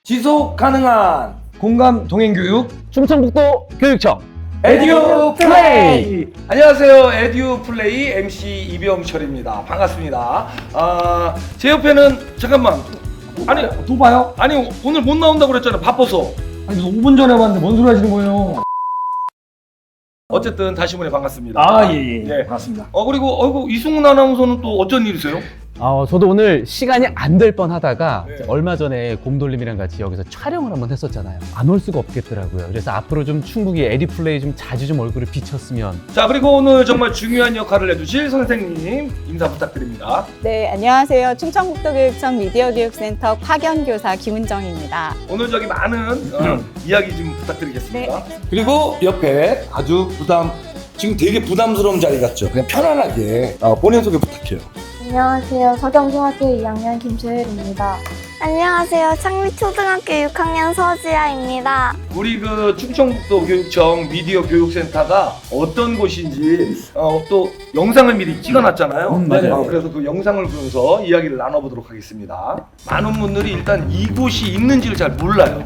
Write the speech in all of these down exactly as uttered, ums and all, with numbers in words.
지속 가능한 공감 동행교육 충청북도 교육청 에듀 플레이. 안녕하세요, 에듀 플레이 엠씨 이병철입니다. 반갑습니다. 아, 제 옆에는 잠깐만. 아니 또 봐요? 아니 오늘 못 나온다고 그랬잖아요. 바빠서. 아니 오 분 전에 봤는데 뭔 소리 하시는 거예요? 어쨌든 다시 보내 반갑습니다. 아 예예 예. 반갑습니다. 어 그리고 어이구 이승훈 아나운서는 또 어쩐 일이세요? 어, 저도 오늘 시간이 안 될 뻔 하다가 네. 얼마 전에 곰돌림이랑 같이 여기서 촬영을 한번 했었잖아요. 안 올 수가 없겠더라고요. 그래서 앞으로 좀 충북이 에듀플레이 좀 자주 좀 얼굴을 비쳤으면. 자 그리고 오늘 정말 중요한 역할을 해주실 선생님 인사 부탁드립니다. 네, 안녕하세요. 충청북도교육청 미디어교육센터 파견교사 김은정입니다. 오늘 저기 많은 어, 이야기 좀 부탁드리겠습니다. 네. 그리고 옆에 아주 부담 지금 되게 부담스러운 자리 같죠? 그냥 편안하게 어, 본인 소개 부탁해요. 안녕하세요. 서경중학교 이 학년 김채율입니다. 안녕하세요. 창리초등학교 육 학년 서지아입니다. 우리 그 충청북도 교육청 미디어 교육센터가 어떤 곳인지 어, 또 영상을 미리 찍어놨잖아요. 음, 맞아요. 어, 그래서 그 영상을 보면서 이야기를 나눠보도록 하겠습니다. 많은 분들이 일단 이곳이 있는지를 잘 몰라요.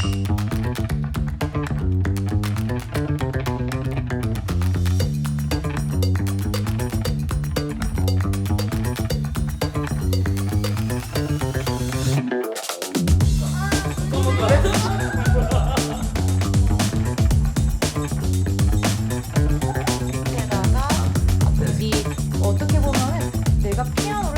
어떻게 보면은 내가 피아노를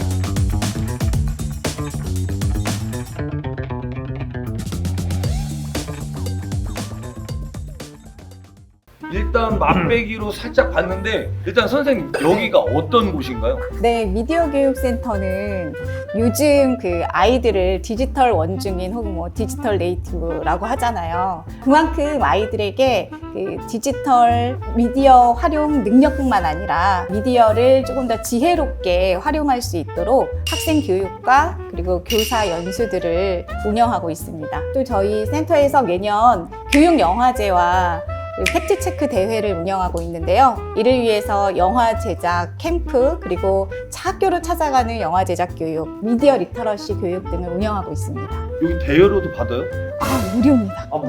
일단 맛배기로 살짝 봤는데 일단 선생님 여기가 어떤 곳인가요? 네, 미디어교육센터는 요즘 그 아이들을 디지털 원중인 혹은 뭐 디지털 네이티브라고 하잖아요. 그만큼 아이들에게 그 디지털 미디어 활용 능력뿐만 아니라 미디어를 조금 더 지혜롭게 활용할 수 있도록 학생 교육과 그리고 교사 연수들을 운영하고 있습니다. 또 저희 센터에서 매년 교육 영화제와 팩트 체크 대회를 운영하고 있는데요. 이를 위해서 영화 제작 캠프 그리고 학교로 찾아가는 영화 제작 교육, 미디어 리터러시 교육 등을 운영하고 있습니다. 여기 대여료도 받아요? 아, 무료입니다. 아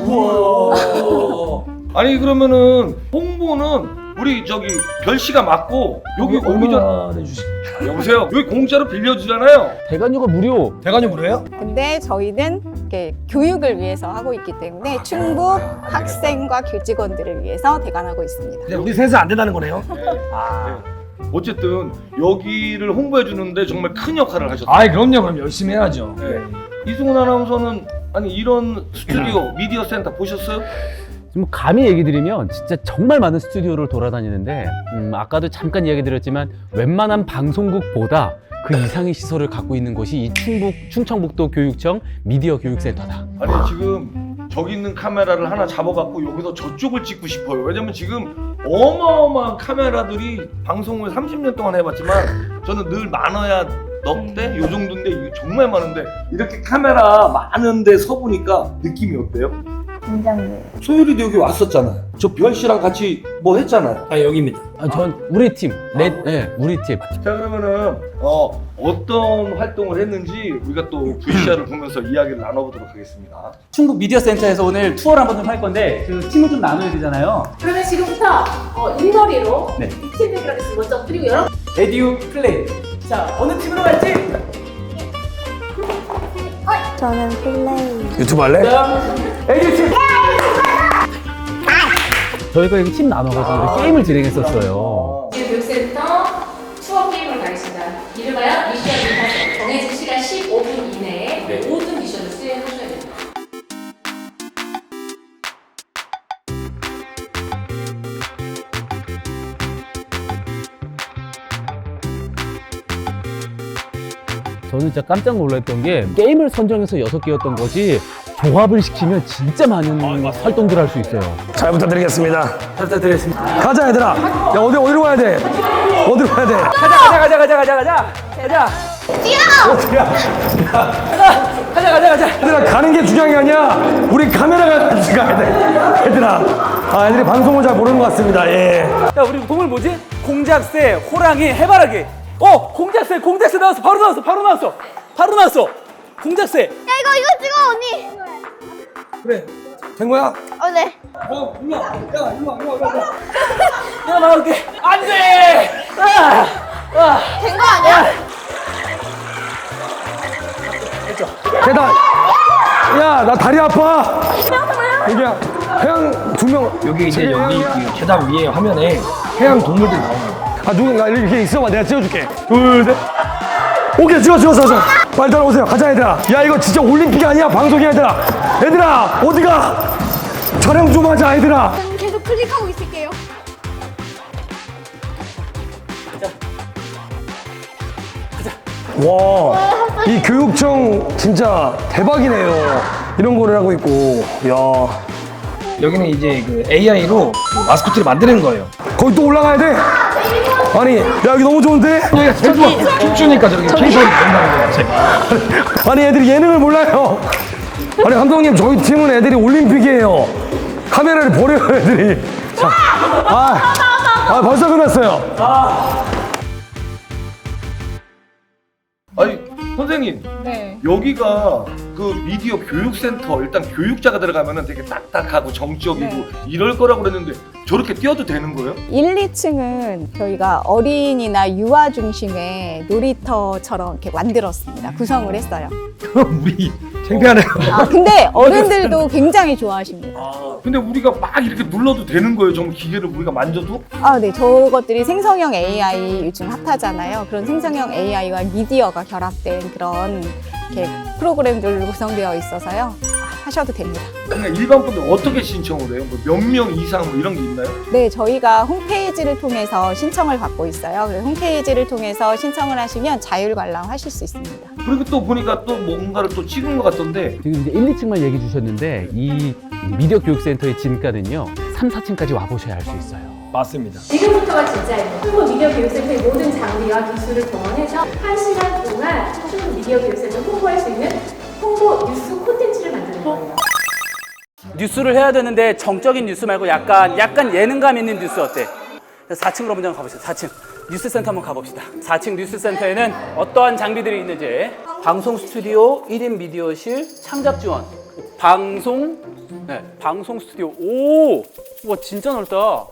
무서워. 아니 그러면은 홍보는 우리 저기 별 씨가 맡고 여기 오기 전 얼마나 내주실까요? 여보세요. 여기 공짜로 빌려주잖아요. 대관료가 무료. 대관료 무료예요? 근데 저희는 이렇게 교육을 위해서 하고 있기 때문에 충북 학생과 교직원들을 위해서 대관하고 있습니다. 그냥 우리 셋은 안 된다는 거네요? 아. 어쨌든 여기를 홍보해 주는데 정말 큰 역할을 하셨어요. 아이 그럼요 그럼 열심히 해야죠. 네. 이승훈 아나운서는 아니 이런 스튜디오 미디어 센터 보셨어요? 좀 감히 얘기 드리면 진짜 정말 많은 스튜디오를 돌아다니는데 음, 아까도 잠깐 이야기 드렸지만 웬만한 방송국보다 그 이상의 시설을 갖고 있는 곳이 이 충북 충청북도 교육청 미디어 교육센터다. 아니 지금 저기 있는 카메라를 하나 잡아갖고 여기서 저쪽을 찍고 싶어요. 왜냐면 지금 어마어마한 카메라들이 방송을 삼십 년 동안 해봤지만 저는 늘 많아야 넉 대? 요 정도인데 이게 정말 많은데 이렇게 카메라 많은데 서보니까 느낌이 어때요? 긴장돼요. 소율이도 여기 왔었잖아요. 저 별 씨랑 같이 뭐 했잖아요. 아 여기입니다. 아, 전 우리 팀, 네, 네, 우리 팀. 자 그러면은 어, 어떤 활동을 했는지 우리가 또 브이씨알을 보면서 이야기를 나눠보도록 하겠습니다. 충북 미디어 센터에서 오늘 투어를 한번 좀 할 건데 그 팀을 좀 나눠야 되잖아요. 그러면 지금부터 어, 일머리로 네. 이 팀 대결 하겠습니다. 먼저 그리고 여러분 에듀 플레이. 자 어느 팀으로 갈지. 저는 플레이. 유튜브 할래? 에듀 팀. 저희가 이렇게 팀 나눠가지고 게임을 진행했었어요. 교육센터 추억 게임을 가겠습니다. 이름하여 미션 임파서 정해진 시간 십오 분 이내에 모든 미션을 수행하셔야 됩니다. 저는 진짜 깜짝 놀랐던 게 게임을 선정해서 여섯 개였던 거지 조합을 시키면 진짜 많은 활동들을 할 수 있어요. 잘 부탁드리겠습니다. 잘 부탁드리겠습니다. 가자 얘들아. 야 어디 어디로 가야 돼? 어디로 가야 돼? 가자 가자 가자 가자 가자 가자 가자. 가자 가자 가자. 얘들아 가는 게 중요한 게 아니야. 우리 카메라가 같이 가야 돼. 얘들아. 아 애들이 방송을 잘 모르는 것 같습니다. 예. 야 우리 동물 뭐지? 공작새, 호랑이, 해바라기. 어 공작새 공작새 나왔어. 바로 나왔어. 바로 나왔어. 바로 나왔어. 공작새. 야 이거 이거 찍어 언니. 그래. 된 거야? 어, 네. 어, 일로 와. 야, 일로 와, 일로 와, 일로 와. 내가 나올게. 안 돼! 아! 된 거 아니야? 계단. 야, 나 다리 아파. 여기야. 해양 두 명. 여기 이제 여기 이 계단 위에 화면에 해양 동물들이 나오는 거야. 아, 누군가 이렇게 있어봐. 내가 찍어줄게. 둘, 셋. 오케이, 찍어, 찍어, 찍어. 빨리 따라오세요. 가자, 얘들아. 야, 이거 진짜 올림픽 아니야, 방송이야, 얘들아. 얘들아, 어디가? 촬영 좀 하자, 얘들아. 저는 계속 클릭하고 있을게요. 와, 이 교육청 진짜 대박이네요. 이런 거를 하고 있고, 야. 여기는 이제 그 에이아이로 마스코트를 만드는 거예요. 거기 또 올라가야 돼? 아니, 야, 여기 너무 좋은데? 여기가 제일 좋아. 춤추니까 저렇게 케이팝이 나온다는 거야. 제가. 아니, 애들이 예능을 몰라요. 아니, 감독님, 저희 팀은 애들이 올림픽이에요. 카메라를 버려요, 애들이. 자, 아, 아 벌써 끝났어요. 아니 선생님 네. 여기가 그 미디어 교육센터 일단 교육자가 들어가면은 되게 딱딱하고 정적이고 네. 이럴 거라고 그랬는데 저렇게 뛰어도 되는 거예요? 일, 이 층은 저희가 어린이나 유아 중심의 놀이터처럼 이렇게 만들었습니다. 구성을 했어요. 그럼 우리 창피하네요. 아, 근데 어른들도 굉장히 좋아하십니다. 아 근데 우리가 막 이렇게 눌러도 되는 거예요? 정말 기계를 우리가 만져도? 아, 네. 저것들이 생성형 에이아이 요즘 핫하잖아요. 그런 생성형 에이아이와 미디어가 결합된 그런 이렇게 프로그램들로 구성되어 있어서요. 아, 하셔도 됩니다. 그냥 일반 분들 어떻게 신청을 해요? 뭐 몇 명 이상 뭐 이런 게 있나요? 네, 저희가 홈페이지를 통해서 신청을 받고 있어요. 그래서 홈페이지를 통해서 신청을 하시면 자율 관람하실 수 있습니다. 그리고 또 보니까 또 뭔가를 또 찍은 것 같던데 지금 이제 일, 이 층만 얘기해 주셨는데 이 미디어 교육센터의 진가는요 삼, 사 층까지 와보셔야 알 수 있어요. 맞습니다. 지금부터가 진짜예요. 충북 미디어 교육센터의 모든 장비와 기술을 동원해서 한 시간 동안 충북 미디어 교육센터 홍보할 수 있는 홍보 뉴스 콘텐츠를 만드는 거예요. 뉴스를 해야 되는데 정적인 뉴스 말고 약간 약간 예능감 있는 뉴스 어때? 사 층으로 먼저 가보시죠. 사 층 뉴스센터 한번 가봅시다. 사 층 뉴스센터에는 어떠한 장비들이 있는지 방송 스튜디오, 일 인 미디어실, 창작 지원, 방송 네, 방송 스튜디오. 오, 와 진짜 넓다.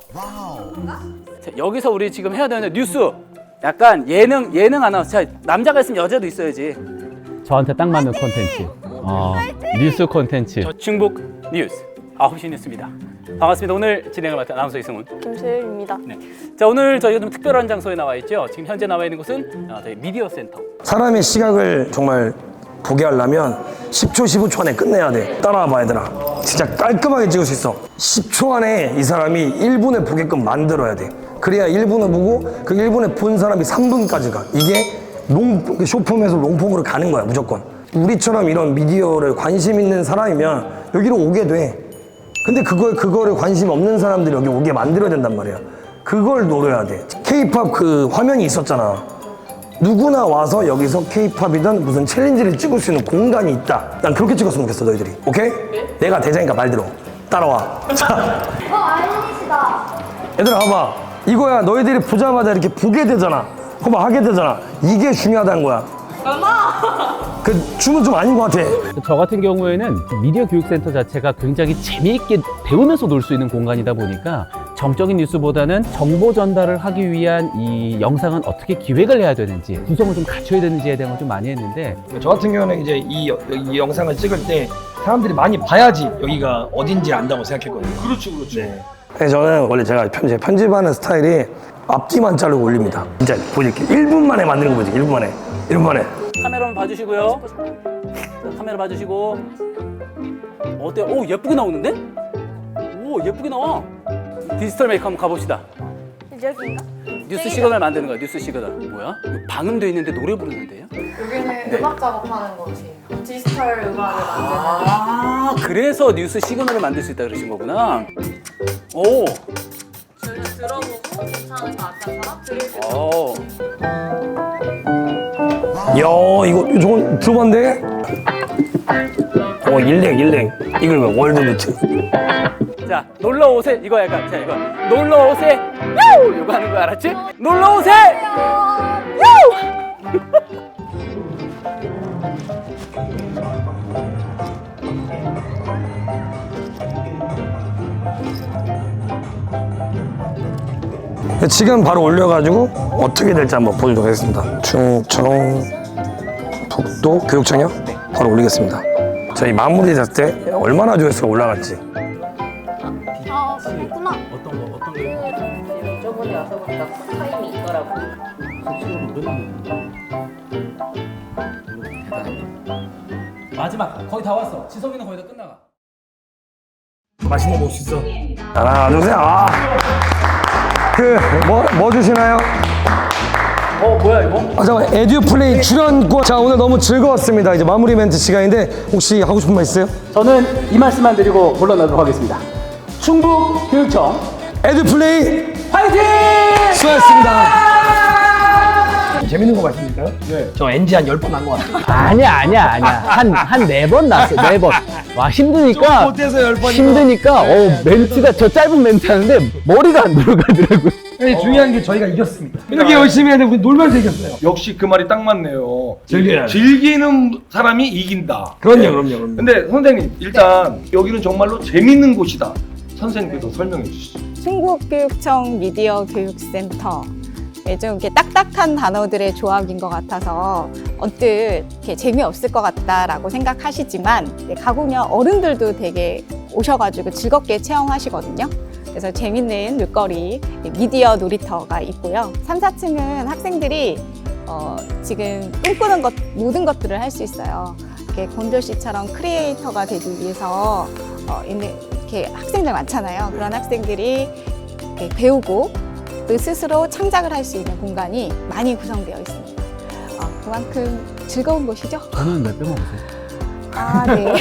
자, 여기서 우리 지금 해야 되는 뉴스. 약간 예능 예능 아나운서. 자, 남자가 있으면 여자도 있어야지. 저한테 딱 맞는 콘텐츠. 어, 뉴스 콘텐츠. 충북 뉴스 아홉 시 뉴스입니다. 반갑습니다. 오늘 진행을 맡은 아나운서 이승훈. 김소율입니다. 네. 자, 오늘 저희가 좀 특별한 장소에 나와 있죠. 지금 현재 나와 있는 곳은 어, 저희 미디어 센터. 사람의 시각을 정말 보게 하려면 십 초, 십오 초 안에 끝내야 돼. 따라와봐, 얘들아. 진짜 깔끔하게 찍을 수 있어. 십 초 안에 이 사람이 일 분에 보게끔 만들어야 돼. 그래야 일 분을 보고 그 일 분에 본 사람이 삼 분까지 가. 이게 롱, 쇼폼에서 롱폼으로 가는 거야, 무조건. 우리처럼 이런 미디어를 관심 있는 사람이면 여기로 오게 돼. 근데 그걸, 그거를 관심 없는 사람들이 여기 오게 만들어야 된단 말이야. 그걸 노려야 돼. 케이팝 그 화면이 있었잖아. 누구나 와서 여기서 케이팝이든 무슨 챌린지를 찍을 수 있는 공간이 있다. 난 그렇게 찍었으면 좋겠어, 너희들이. 오케이? 내가 대장이니까 말 들어. 따라와. 자, 어, 아이리시다. 얘들아 봐봐. 이거야, 너희들이 보자마자 이렇게 보게 되잖아. 봐봐, 하게 되잖아. 이게 중요하다는 거야. 그 춤은 좀 아닌 것 같아. 저 같은 경우에는 미디어 교육센터 자체가 굉장히 재미있게 배우면서 놀 수 있는 공간이다 보니까 정적인 뉴스보다는 정보 전달을 하기 위한 이 영상은 어떻게 기획을 해야 되는지 구성을 좀 갖춰야 되는지에 대한 걸 좀 많이 했는데 저 같은 경우는 이제 이, 여- 이 영상을 찍을 때 사람들이 많이 봐야지 여기가 어딘지 안다고 생각했거든요. 그렇죠 그렇죠 네, 저는 원래 제가 편집, 편집하는 스타일이 앞뒤만 자르고 올립니다. 진짜 보여줄게. 일 분 만에 만드는 거 보지. 일 분 만에. 일 분 만에. 카메라 한번 봐주시고요. 자, 카메라 봐주시고. 어때요? 오, 예쁘게 나오는데? 오, 예쁘게 나와. 디지털 메이크 한번 가봅시다. 여기인가? 뉴스 시그널 만드는 거야. 뉴스 시그널. 뭐야? 방음돼 있는데 노래 부르는데요? 여기는 음악 작업하는 곳이에요. 디지털 음악을 만드는. 아, 그래서 뉴스 시그널을 만들 수 있다 그러신 거구나. 오. 저를 들어보고 괜찮은 것 같아서 들을 오. 야, 이거, 저건 들어봤는데? 어, 일렉, 일렉. 이거 뭐, 월드부트. 자, 놀러 오세요. 이거 약간, 자, 이거. 놀러 오세요. 요! 이거 하는 거 알았지? 놀러 오세요! 요! 지금 바로 올려가지고 어떻게 될지 한번 보도록 하겠습니다. 충청 북도 교육청이요? 바로 올리겠습니다. 저희 마무리 됐을 때 얼마나 조회수가 올라갈지. 아, 그렇구나. 어떤 거 어떤 거 저번에 와서 보니까 쿨타임이 있더라고. 마지막 거의 다 왔어. 지성이는 거의 다 끝나가. 맛있는 거 먹을 수 있어. 하나, 둘, 셋. 아. 그, 뭐, 뭐 주시나요? 어 뭐야 이거? 아, 잠깐, 에듀플레이 출연권. 자, 오늘 너무 즐거웠습니다. 이제 마무리 멘트 시간인데, 혹시 하고 싶은 말 있어요? 저는 이 말씀만 드리고 물러나도록 하겠습니다. 충북 교육청 에듀플레이 화이팅! 수고하셨습니다. 재밌는 거 말씀드릴까요? 네. 저 엔지 한 열 번 난 거 같아요. 아니야 아니야 아니야 한 한 네 번 났어 네 번. 와 힘드니까 못해서 열 번이나. 힘드니까 어 멘트가 저 짧은 멘트 하는데 머리가 안 들어가더라고요. 아니, 중요한 게 저희가 이겼습니다. 이렇게 열심히 해야 되고 놀면서 이겼어요. 역시 그 말이 딱 맞네요. 즐겨야 돼. 즐기는 사람이 이긴다. 그럼요, 네. 그럼요, 그럼요. 근데 선생님 일단 여기는 정말로 재밌는 곳이다. 선생님께서 설명해 주시죠. 충북교육청 미디어 교육센터. 네, 좀 이렇게 딱딱한 단어들의 조합인 것 같아서 언뜻 이렇게 재미없을 것 같다라고 생각하시지만 네, 가보면 어른들도 되게 오셔가지고 즐겁게 체험하시거든요. 그래서 재밌는 놀거리, 미디어 놀이터가 있고요. 삼, 사 층은 학생들이 어, 지금 꿈꾸는 것, 모든 것들을 할 수 있어요. 이렇게 곤조 씨처럼 크리에이터가 되기 위해서 어, 이렇게 학생들 많잖아요. 그런 학생들이 이렇게 배우고 또 스스로 창작을 할 수 있는 공간이 많이 구성되어 있습니다. 어, 그만큼 즐거운 곳이죠. 저는 몇 배 먹었어요? 아, 네.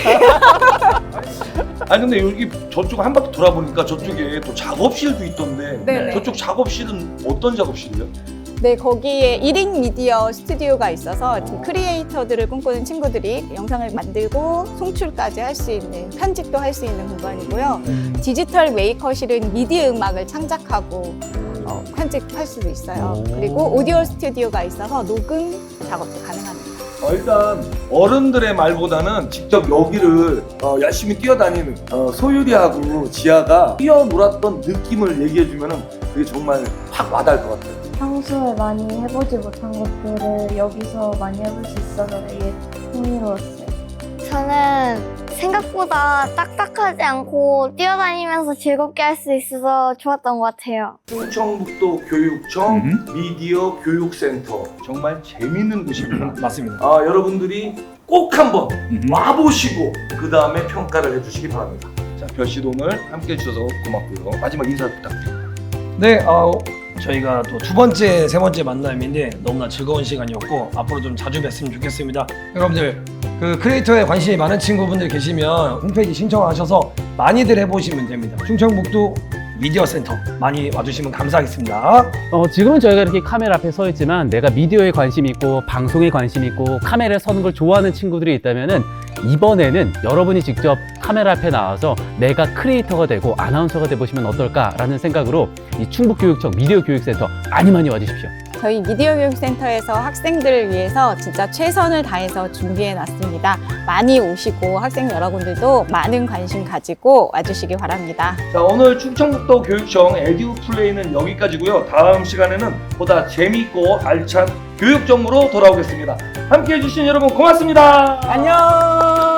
아니 근데 여기 저쪽 한 바퀴 돌아보니까 저쪽에 또 작업실도 있던데 네네. 저쪽 작업실은 어떤 작업실이요? 네, 거기에 일 인 미디어 스튜디오가 있어서 지금 크리에이터들을 꿈꾸는 친구들이 영상을 만들고 송출까지 할 수 있는, 편집도 할 수 있는 공간이고요. 디지털 메이커실은 미디어 음악을 창작하고 어, 편집할 수도 있어요. 그리고 오디오 스튜디오가 있어서 녹음 작업도 가능합니다. 어, 일단 어른들의 말보다는 직접 여기를 어, 열심히 뛰어다니는 어, 소유리하고 지아가 뛰어놀았던 느낌을 얘기해주면은 그게 정말 확 와닿을 것 같아요. 평소에 많이 해보지 못한 것들을 여기서 많이 해볼 수 있어서 되게 흥미로웠어요. 저는 생각보다 딱딱하지 않고 뛰어다니면서 즐겁게 할 수 있어서 좋았던 것 같아요. 충청북도 교육청 미디어 교육센터 정말 재밌는 곳입니다. 맞습니다. 아, 여러분들이 꼭 한번 와보시고 그 다음에 평가를 해주시기 바랍니다. 자, 별씨도 오늘 함께 해주셔서 고맙고요. 마지막 인사 부탁드립니다. 네, 어, 저희가 또 두 번째, 세 번째 만남인데 너무나 즐거운 시간이었고 앞으로 좀 자주 뵀으면 좋겠습니다. 여러분들 그 크리에이터에 관심이 많은 친구분들 계시면 홈페이지 신청하셔서 많이들 해보시면 됩니다. 충청북도 미디어 센터 많이 와주시면 감사하겠습니다. 어, 지금은 저희가 이렇게 카메라 앞에 서 있지만 내가 미디어에 관심 있고 방송에 관심 있고 카메라에 서는 걸 좋아하는 친구들이 있다면은 이번에는 여러분이 직접 카메라 앞에 나와서 내가 크리에이터가 되고 아나운서가 돼보시면 어떨까라는 생각으로 이 충북교육청 미디어 교육센터 많이 많이 와주십시오. 저희 미디어 교육센터에서 학생들을 위해서 진짜 최선을 다해서 준비해 놨습니다. 많이 오시고 학생 여러분들도 많은 관심 가지고 와주시기 바랍니다. 자, 오늘 충청북도 교육청 에듀플레이는 여기까지고요. 다음 시간에는 보다 재미있고 알찬 교육 정보로 돌아오겠습니다. 함께해 주신 여러분 고맙습니다. 안녕.